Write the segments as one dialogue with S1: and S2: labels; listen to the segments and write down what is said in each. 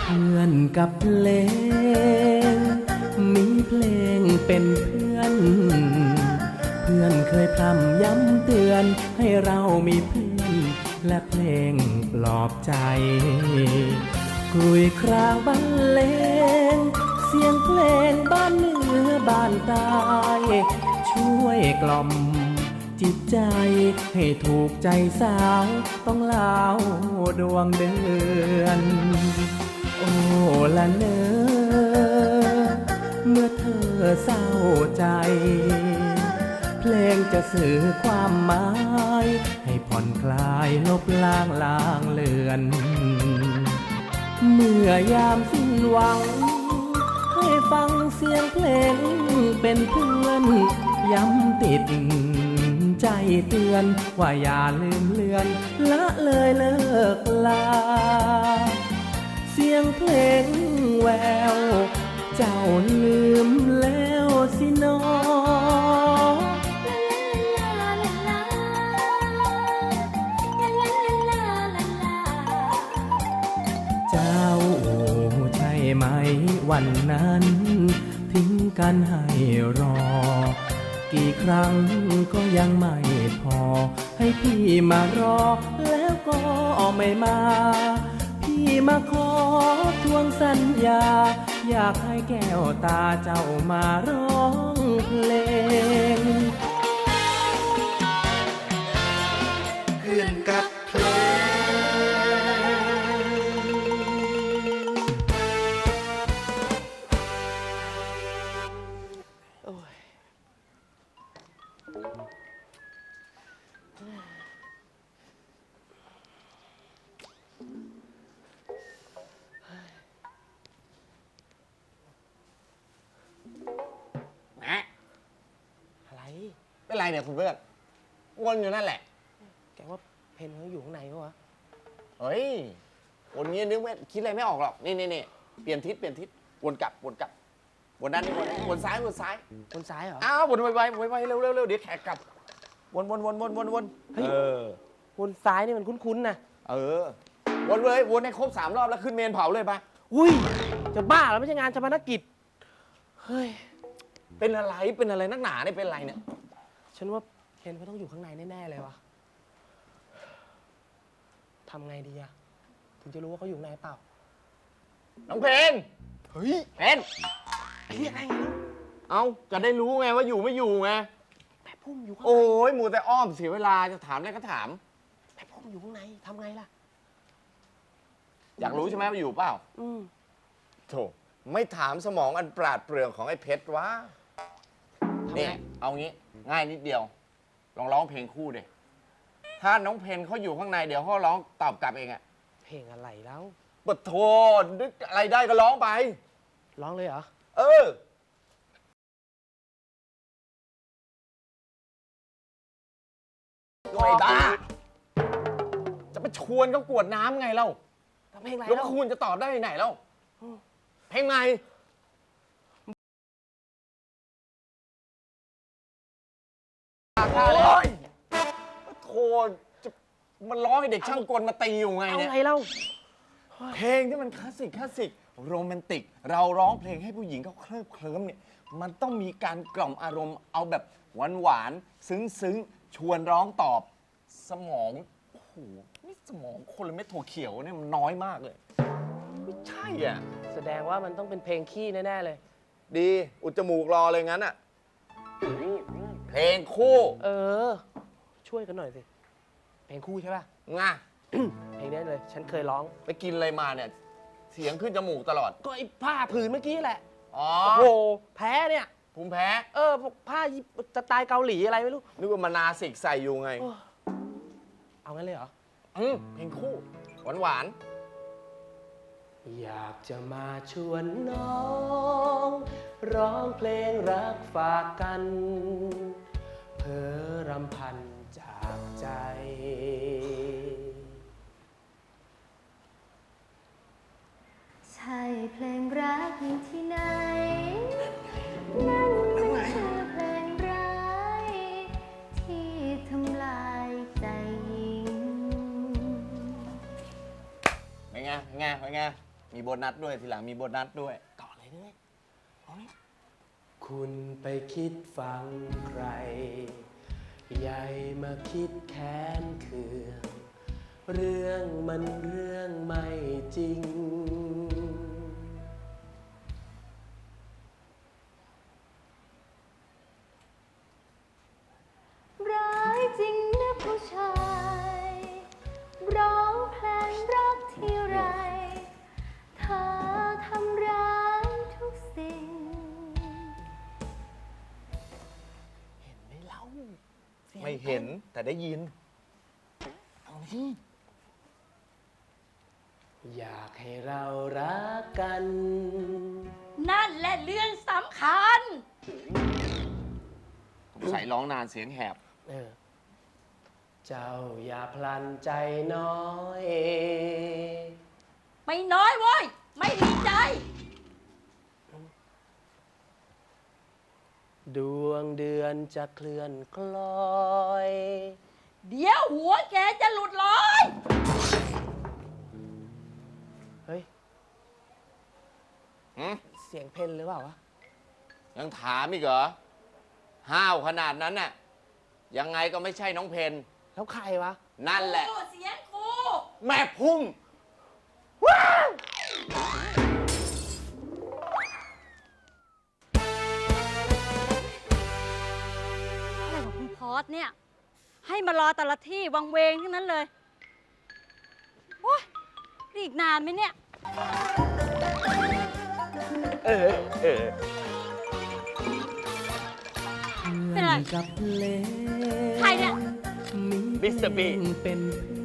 S1: พื่อนกับเพลงมีเพลงเป็นเพื่อนเพื่อนเคยพร่ำย้ำเตือนให้เรามีเพื่อนและเพลงปลอบใจกลุยครางบรรเลงเสียงเพลงบ้านเหนือบ้านใต้ช่วยกล่อมจิตใจให้ถูกใจสาวต้องเล่าดวงเดือนโอ้ละเนอเมื่อเธอเศร้าใจเพลงจะสื่อความหมายให้ผ่อนคลายลบล้างลางเลือนเมื่อยามสิ้นหวังให้ฟังเสียงเพลงเป็นเพื่อนย้ำติดใจเตือนว่าอย่าลืมเลือนละเลยเลิกลาเสียงเพลงแววเจ้าลืมแล้วสินอเจ้าใช่ไหมวันนั้นทิ้งกันให้รอกี่ครั้งก็ยังไม่พอให้พี่มารอแล้วก็ไม่มาพี่มาขอทวงสัญญาอยากให้แก้วตาเจ้ามาร้องเพลง
S2: เพื่อนกับเพล
S3: อะไร
S2: เป็นไรเนี่ยคุณเพื่อนวนอยู่นั่นแหละ
S3: แกว่าเพนเขาอยู่ข้างในปะวะ
S2: เฮ้ยวนงี้นึกไม่คิดอะไรไม่ออกหรอกนี่เปลี่ยนทิศวนกลับวนด้านนี้วนซ้าย
S3: คนซ้ายเหรอ
S2: อ้าววนไวเร็วเดี๋ยวแขกกลับวน
S3: เฮ้ยวนซ้ายนี่มันคุ้นๆนะ
S2: วนเลยวนให้ครบ3 รอบแล้วขึ้นเมนเผาเลยปะ
S3: อุ้ยจะบ้าแล้วไม่ใช่งานชาปนกิจเฮ้ย
S2: เป็นอะไรนักหนาเนี่ยเป็นอะไรเนี่ย
S3: ฉันว่าเพนเขาต้องอยู่ข้างในแน่ๆเลยวะทำไงดีอะถึงจะรู้ว่าเขาอยู่ในเปล่า
S2: น้องเพนเฮ้ยเพน
S3: เรียกอะไรไง
S2: เอาจะได้รู้ไงว่าอยู่ไม่อยู่ไง
S3: แต่พุ่มอยู่ข้างใน
S2: โอ้ยมัวแต่อ้อมเสียเวลาจะถามอะไรก็ถาม
S3: แต่พุ่มอยู่ข้างในทำไงล่ะ
S2: อยากรู้ใช่ไหมว่าอยู่เปล่าโธ่ไม่ถามสมองอันปราดเปรื่องของไอ้เพชรวะนี่เอางี้ง่ายนิดเดียวลองร้องเพลงคู่ดิถ้าน้องเพนเขาอยู่ข้างในเดี๋ยวเขาร้องตอบกลับเองอะ
S3: เพลงอะไรแล้ว
S2: บทโทษนึกอะไรได้ก็ร้องไป
S3: ร้องเลยเหรอ
S2: หน่อยบ้าจะไปชวนเขากวดน้ำไงเล่า
S3: เพลงอะไร
S2: แล้วคุณจะตอบได้ไหนเล่าเพลงไหนโอ้ยโธ่จะมันร้องให้เด็กช่างกลมาตีอยู่ไงเนี่ย
S3: เอาไงเล่า
S2: เพลงที่มันคลาสสิกโรแมนติกเราร้องเพลงให้ผู้หญิงเขาเคลิ้มเนี่ยมันต้องมีการกล่อมอารมณ์เอาแบบหวานซึ้งชวนร้องตอบสมองโอ้โหนี่สมองคนละเม็ดถั่วเขียวเนี่ยมันน้อยมากเลยไม่ใช่อ่ะ
S3: แสดงว่ามันต้องเป็นเพลงขี้แน่ๆเลย
S2: ดีอุดจมูกรอเลยงั้นอ่ะเพลงคู่
S3: ช่วยกันหน่อยสิเพลงคู่ใช่ป่ะ
S2: ง่ะ
S3: เพลงนี้เลยฉันเคยร้อง
S2: ไปกินอะไรมาเนี่ยเสียงขึ้นจมูกตลอด
S3: ก็ไอ้ผ้าผืนเมื่อกี้แหละ
S2: อ๋อ
S3: โอ้โหแพ้เนี่ย
S2: ภูมิแพ้
S3: พวกผ้าสไตล์เกาหลีอะไรไม่รู้
S2: นึกว่ามานาสิกใส่อยู่ไง
S3: เอางั้นเลยเหรอ
S2: เพลงคู่หวาน
S1: อยากจะมาชวนน้องร้องเพลงรักฝากกันเพ้อรำพันจากใจ
S4: ใช่เพลงรักที่ไหนนั่นไม่ใช่เพลงร้ายที่ทำลายใจหญิง
S2: เป็นไงมีโบนัสด้วยทีหลังมีโบนัสด้วยต่อเลยด้วยเอาเลย
S3: คุณไปคิดฟังใคร ใหญ่มาคิดแค้นเคืองเรื่องมันเรื่องไม่จริง
S4: ร้ายจริงนะผู้ชาย ร้องเพลงรักที่ไรเธอทำร้ายทุกสิ่ง
S2: ไม่เห็นแต่ได้ยิน
S3: อยากให้เรารักกัน
S5: นั่นแหละเรื่องสำคัญ
S2: ใส่ร้องนานเสียงแหบ
S3: เออ เจ้าอย่าพลันใจน้อย
S5: ไม่น้อยเว้ย ไม่ดีใจ
S3: ดวงเดือนจะเคลื่อนคล้อย
S5: เดี๋ยวหัวแกจะหลุดลอย
S3: เฮ้ย
S2: หืม
S3: เสียงเพนหรือเปล่าวะ
S2: ยังถามอีกเหรอ ห้าวขนาดนั้นน่ะ ยังไงก็ไม่ใช่น้องเพน
S3: แล้วใครวะ
S2: นั่นแหละ
S5: โอ้เสียงครู
S2: แม่พุ่ง
S5: อะไรของคุณพอสเนี่ย ให้มารอแต่ละที่วังเวงทั้งนั้นเลย โอ้ยนี่อีกนานไหมเนี่ย เป็นไร
S1: กับเพลง
S5: ใครเนี่ย
S2: มิสเตอร์บีน
S1: เป็น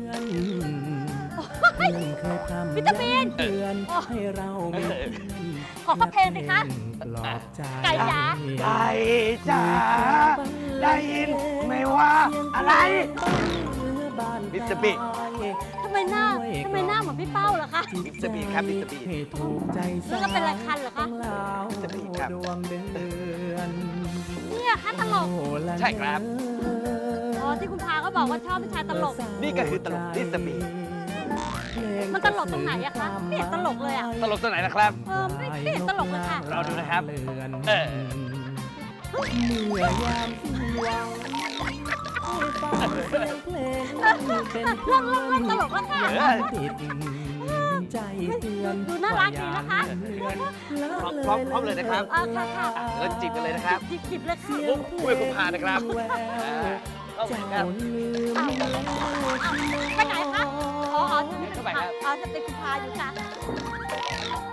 S1: เพื่อนเคยทำ
S5: มิสเตอร์บีน
S1: เตือนให้เรามีเพื่อน
S5: ขอเข้าเพลงสิคะ
S1: ปลอบใจ
S5: ไก่จ๋า
S3: ไก่จ๋าได้ยินไหมว่าอะไร
S2: มิสเตอร์บีน
S5: ทำไมหน้าเหมือนพี่เป้าเหรอคะ
S2: มิสเตอร์บีนครับมิสเตอร์บีน
S1: ให้ถูกใจ
S5: แล้วก็เป็นอะไรคันเหรอคะ
S1: ของเรา
S2: มิสเตอร์บีนครับ
S1: ดวงเดือน
S5: เนี่ยคะตลก
S1: โอ้ละ
S2: ใช่ครับ
S5: อ๋อที่คุณพาเขาบอกว่าชอบผู้ชายตลก
S2: นี่ก็คือตลกมิสเตอร์บีน
S5: มันตลกตรงไหนอะคะไม่เห็นตลกเลยอะ
S2: ตลกตัวไหนนะครับ
S5: ไม่เห็นตลกเลยค่ะ
S2: เราดูนะครับ
S1: เลือน
S2: เออ
S1: เมื่อยามสิ้นหวังให้ฟังเสียงเพลงเป็นเพื่อน
S5: เริ่มตลกแล้วค่ะ
S1: อย่าติดใจเตือน
S5: ดูน่ารักดีนะคะ
S2: พร้อมเลยนะครับ
S5: ค่ะค่ะ
S2: เริ่มจีบกันเลยนะครับ
S5: จิบเลยค่ะ
S2: มุกคุยกับคุณพานะครับ เข้าไปครับ
S5: ไปไหนคะอ๋อจะ
S2: เข้าไปครับ
S5: อ๋อจะเป็นคุณพาอยู่ค่ะ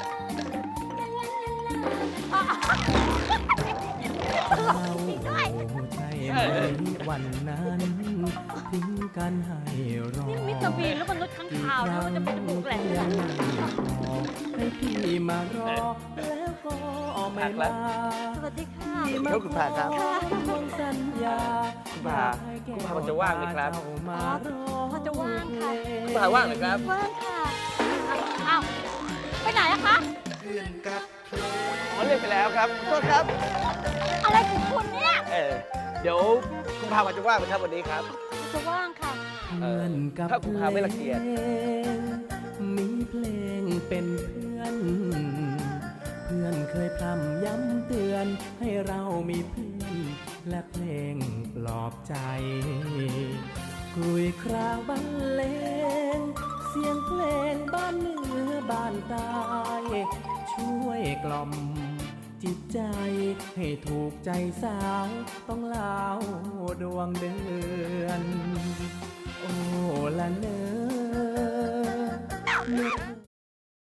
S5: ตลกจริงด้วย
S1: ใช่ไหมวันนั้นทิ้งกันให้รอ
S5: นี่มิสเตอร์บีนแล้วมันรถข้างคาวแล้วมันจะเป็นจมูกแหลมเลย
S1: ให้พี่มารอแล้วก็ไม่มา
S5: สวัสดีค่ะ
S2: เดี๋ยวคุณพาครับ
S1: ทวงสัญญา
S2: คุณพาพอจะว่างไหมครับ
S1: มารอ
S5: พอจะว่างค่ะ
S2: คุณพาว่างไหมครับ
S5: ว่างค่ะอ้าวไปไหนอะคะ
S2: อ๋อเรียกไปแล้วครับขอโทษครับ
S5: อะไรของคุณเนี่ย
S2: เดี๋ยวคุณพาจะว่างไหมครับวันนี้ครับ
S5: จะว่างค่ะ
S1: เพื่อนกับ
S2: ถ้าคุณพาไม่รังเกียจ
S1: มีเพลงเป็นเพื่อน เพื่อนเคยพร่ำย้ำเตือนให้เรามีเพื่อน และเพลงปลอบใจกลุยครางบรรเลง เสียงเพลงบ้านเหนือบ้านใต้ช่วยกล่อมจิตใจ ให้ถูกใจสาวต้องเล่าดวงเดือน โอ้ละเนอ